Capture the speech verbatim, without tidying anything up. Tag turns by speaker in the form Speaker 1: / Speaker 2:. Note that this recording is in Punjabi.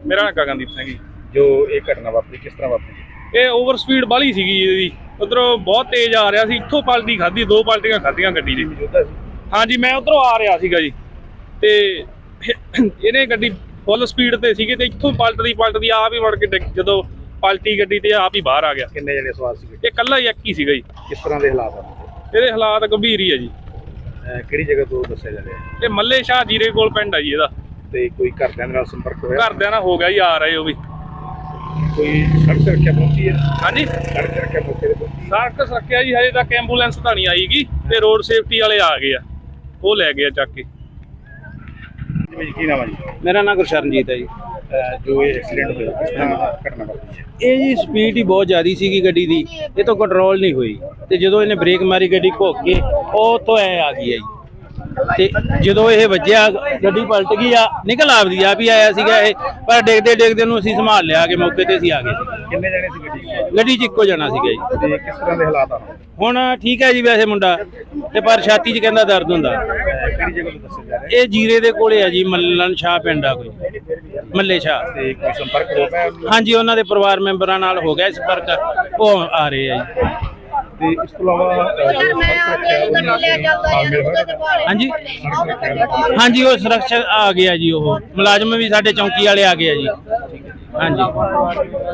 Speaker 1: ਮੇਰਾ ਨਾਮ ਗਗਨਦੀਪ ਸਿੰਘ ਜੀ।
Speaker 2: ਜੋ ਇਹ ਘਟਨਾ ਵਾਪਰੀ ਕਿਸ ਤਰ੍ਹਾਂ ਵਾਪਰੀ?
Speaker 1: ਇਹ ਓਵਰ ਸਪੀਡ ਬਾਹਲੀ ਸੀਗੀ ਇਹਦੀ, ਉਧਰੋਂ ਬਹੁਤ ਤੇਜ਼ ਆ ਰਿਹਾ ਸੀ, ਇੱਥੋਂ ਪਲਟੀ ਖਾਧੀ, ਦੋ ਪਲਟੀਆਂ ਖਾਧੀਆਂ ਗੱਡੀ ਦੀ। ਹਾਂਜੀ, ਮੈਂ ਉਧਰੋਂ ਆ ਰਿਹਾ ਸੀਗਾ ਜੀ, ਤੇ ਇਹਨੇ ਗੱਡੀ ਫੁੱਲ ਸਪੀਡ ਤੇ ਸੀਗੇ ਤੇ ਇੱਥੋਂ ਪਲਟਦੀ ਪਲਟਦੀ ਆਪ ਹੀ ਵੜ ਕੇ ਡਿੱਗ- ਜਦੋਂ ਪਲਟੀ ਗੱਡੀ ਤੇ ਆਪ ਹੀ ਬਾਹਰ ਆ ਗਿਆ।
Speaker 2: ਕਿੰਨੇ ਜਣੇ ਸਵਾਰ ਸੀਗੇ?
Speaker 1: ਇਹ ਇਕੱਲਾ ਹੀ ਇੱਕ ਹੀ ਸੀਗਾ ਜੀ।
Speaker 2: ਕਿਸ ਤਰ੍ਹਾਂ ਦੇ ਹਾਲਾਤ ਆ?
Speaker 1: ਇਹਦੇ ਹਾਲਾਤ ਗੰਭੀਰ ਹੀ ਆ ਜੀ।
Speaker 2: ਅਹ ਕਿਹੜੀ ਜਗ੍ਹਾ ਤੋਂ ਦੱਸਿਆ ਜਾ ਰਿਹਾ?
Speaker 1: ਇਹ ਮੱਲੇ ਸ਼ਾਹ ਜੀਰੇ ਕੋਲ ਪਿੰਡ ਆ ਜੀ ਇਹਦਾ।
Speaker 2: ਤੇ ਕੋਈ ਘਰਦਿਆਂ ਨਾਲ ਸੰਪਰਕ ਹੋਇਆ?
Speaker 1: ਘਰਦਿਆਂ ਨਾਲ ਹੋ ਗਿਆ ਜੀ, ਆ ਰਹੇ ਉਹ ਵੀ।
Speaker 2: ਕੋਈ ਸੜਕ ਸੁਰੱਖਿਆ ਪਹੁੰਚੀ ਹੈ?
Speaker 1: ਹਾਂਜੀ,
Speaker 2: ਸੜਕ ਸੁਰੱਖਿਆ ਮੌਕੇ ਤੇ ਪਹੁੰਚੀ?
Speaker 1: ਸੜਕ ਸੁਰੱਖਿਆ ਜੀ ਹਜੇ ਤੱਕ ਐਂਬੂਲੈਂਸ ਤਾਂ ਨਹੀਂ ਆਈਗੀ, ਤੇ ਰੋਡ ਸੇਫਟੀ ਵਾਲੇ ਆ ਗਏ ਆ, ਉਹ ਲੈ ਗਏ ਆ ਚੱਕ ਕੇ।
Speaker 2: ਜੀ ਕੀ ਨਾਮ ਹੈ ਜੀ?
Speaker 3: ਮੇਰਾ ਨਾਮ ਗੁਰਸ਼ਰਨਜੀਤ ਹੈ ਜੀ।
Speaker 2: ਅਹ ਜੋ ਇਹ ਐਕਸੀਡੈਂਟ ਹੋਇਆ ਕਿਸ ਤਰ੍ਹਾਂ ਘਟਨਾ ਵਾਪਰੀ ਹੈ?
Speaker 3: ਇਹ ਜੀ ਸਪੀਡ ਹੀ ਬਹੁਤ ਜ਼ਿਆਦੀ ਸੀਗੀ ਗੱਡੀ ਦੀ, ਇਹ ਤੋਂ ਕੰਟਰੋਲ ਨਹੀਂ ਹੋਈ, ਤੇ ਜਦੋਂ ਇਹਨੇ ਬ੍ਰੇਕ ਮਾਰੀ ਗੱਡੀ ਘੁੱਕ ਕੇ ਉਹ ਤੋਂ ਐ ਆ ਗਈ ਹੈ ਜੀ। ਤੇ ਜਦੋਂ ਇਹ ਵੱਜਿਆ ਗੱਡੀ ਪਲਟ ਗਈ ਆ, ਨਿਕਲ ਆਪਦੀ ਆਪ ਹੀ ਆਇਆ ਸੀਗਾ ਇਹ, ਪਰ ਡਿੱਗਦੇ ਡਿੱਗਦੇ ਨੂੰ ਅਸੀਂ ਸੰਭਾਲ ਲਿਆ ਕਿ ਮੌਕੇ ਤੇ ਅਸੀਂ ਆ ਗਏ ਸੀ।
Speaker 2: ਕਿੰਨੇ ਜਣੇ ਸੀ ਗੱਡੀ 'ਚ?
Speaker 3: ਗੱਡੀ 'ਚ ਇੱਕੋ ਜਣਾ ਸੀਗਾ ਜੀ।
Speaker 2: ਤੇ ਕਿਸ ਤਰ੍ਹਾਂ ਦੇ ਹਾਲਾਤ ਆ?
Speaker 3: ਹੁਣ ਠੀਕ ਹੈ ਜੀ ਵੈਸੇ ਮੁੰਡਾ, ਤੇ ਪਰ ਛਾਤੀ 'ਚ ਕਹਿੰਦਾ ਦਰਦ ਹੁੰਦਾ।
Speaker 2: ਅਹ ਕਿਹੜੀ ਜਗ੍ਹਾ ਤੋਂ ਦੱਸਿਆ ਜਾ ਰਿਹਾ?
Speaker 3: ਇਹ ਜੀਰੇ ਦੇ ਕੋਲੇ ਆ ਜੀ, ਮੱਲਣ ਸ਼ਾਹ ਪਿੰਡ ਆ ਕੋਈ, ਮੱਲੇ ਸ਼ਾਹ।
Speaker 2: ਤੇ ਕੋਈ ਸੰਪਰਕ ਹੋ ਪਾਇਆ?
Speaker 3: ਹਾਂਜੀ, ਉਹਨਾਂ ਦੇ ਪਰਿਵਾਰ ਮੈਂਬਰਾਂ ਨਾਲ ਹੋ ਗਿਆ ਸੰਪਰਕ, ਉਹ ਆ ਰਹੇ ਆ ਜੀ।
Speaker 2: ਤੇ ਇਸ ਤੋਂ ਇਲਾਵਾ ਅਹ ਜੋ ਸੜਕ ਸੁਰੱਖਿਆ ਉਹਨਾਂ ਨਾਲ ਤਾਲਮੇਲ ਹੋਇਆ?
Speaker 3: ਹਾਂਜੀ
Speaker 2: ਸੜਕ ਸੁਰੱਖਿਆ
Speaker 3: ਹਾਂਜੀ, ਉਹ ਸੁਰੱਖਿਆ ਆ ਗਿਆ ਜੀ, ਉਹ ਮੁਲਾਜ਼ਮ ਵੀ ਸਾਡੇ ਚੌਂਕੀ ਵਾਲੇ ਆ ਗਏ ਆ ਜੀ। ਹਾਂਜੀ।